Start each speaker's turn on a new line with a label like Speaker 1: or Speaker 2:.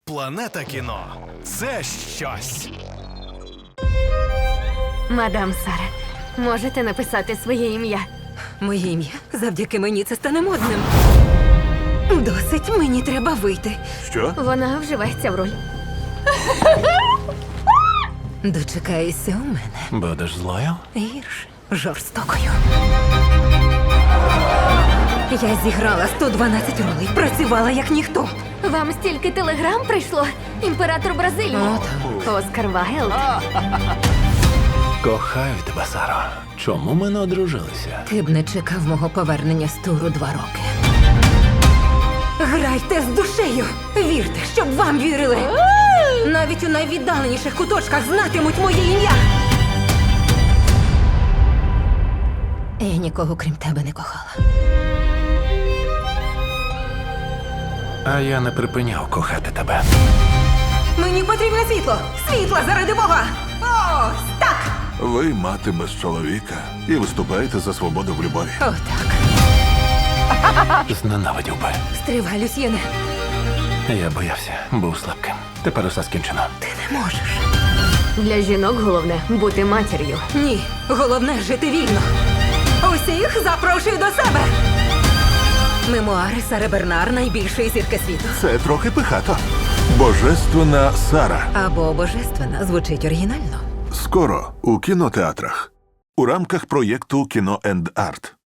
Speaker 1: Планета кіно – це щось.
Speaker 2: Мадам Сара, можете написати своє ім'я?
Speaker 3: Моє ім'я завдяки мені це стане модним. Досить, мені треба вийти.
Speaker 4: Що?
Speaker 2: Вона вживається в роль.
Speaker 3: Дочекаєшся у мене.
Speaker 4: Будеш злою?
Speaker 3: Гірше, жорстокою. Я зіграла 112 ролей, працювала як ніхто.
Speaker 2: Вам стільки телеграм прийшло? Імператор Бразилії. Оскар Вайлд.
Speaker 4: Кохаю тебе, Саро. Чому ми не одружилися?
Speaker 3: Ти б не чекав мого повернення з туру 2 роки. Грайте з душею! Вірте, щоб вам вірили! Навіть у найвіддаленіших куточках знатимуть моє ім'я! Я нікого крім тебе не кохала.
Speaker 4: А я не припиняв кохати тебе.
Speaker 3: Мені потрібне світло! Світло заради Бога! Ось так!
Speaker 5: Ви мати без чоловіка і виступаєте за свободу в любові.
Speaker 3: Отак.
Speaker 4: Зненавидів би.
Speaker 3: Стривай, Люсьєне.
Speaker 4: Я боявся, був слабким. Тепер усе скінчено.
Speaker 3: Ти не можеш.
Speaker 2: Для жінок головне бути матір'ю.
Speaker 3: Ні, головне жити вільно. Усіх запрошую до себе. Мемуари Сари Бернар, найбільшої зірки світу.
Speaker 5: Це трохи пихато. Божественна Сара.
Speaker 3: Або божественна звучить оригінально.
Speaker 5: Скоро у кінотеатрах. У рамках проєкту «Кіно енд Арт».